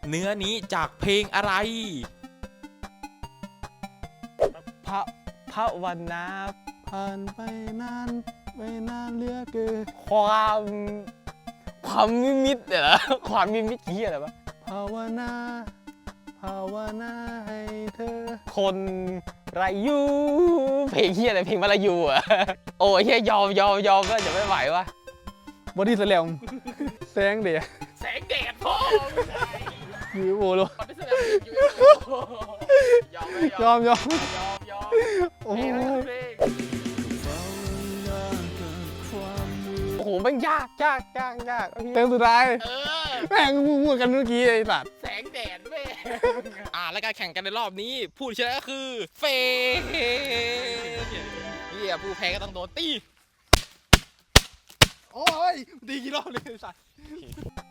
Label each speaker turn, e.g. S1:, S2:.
S1: เนื้อนี้จากเพลงอะไร
S2: พระวันนา
S3: ผ่านไปนานเหลือเกิน
S2: ความมิมิตเหรอความมิมิตเหี้ยอะไรวะ
S3: ภาวนาให้เธอ
S2: คนไรยูเพลงเหี้ยอะไรเพลงมาลายูอ่ะโอ้ยเหี้ยยอมก็จะไม่ไหววะ
S3: บอดี้แสลมแสงเดีย
S1: แสงแดดพ่อ
S3: ยูโอโล
S1: ไม่แสดงยอม
S3: โอ้ย
S2: โอ้โหมันยาก
S3: เต็มสุดท้าย
S1: เออ
S3: แม่งพูดกันเมื่อกี้ไอ้สัตว์
S1: แสงแดดแม่และการแข่งกันในรอบนี้ผู้ชนะก็คือเฟย์เฮียผู้แพ้ก็ต้องโดนตี
S3: โอ้ยดีกี่รอบเลยไอ้สัตว์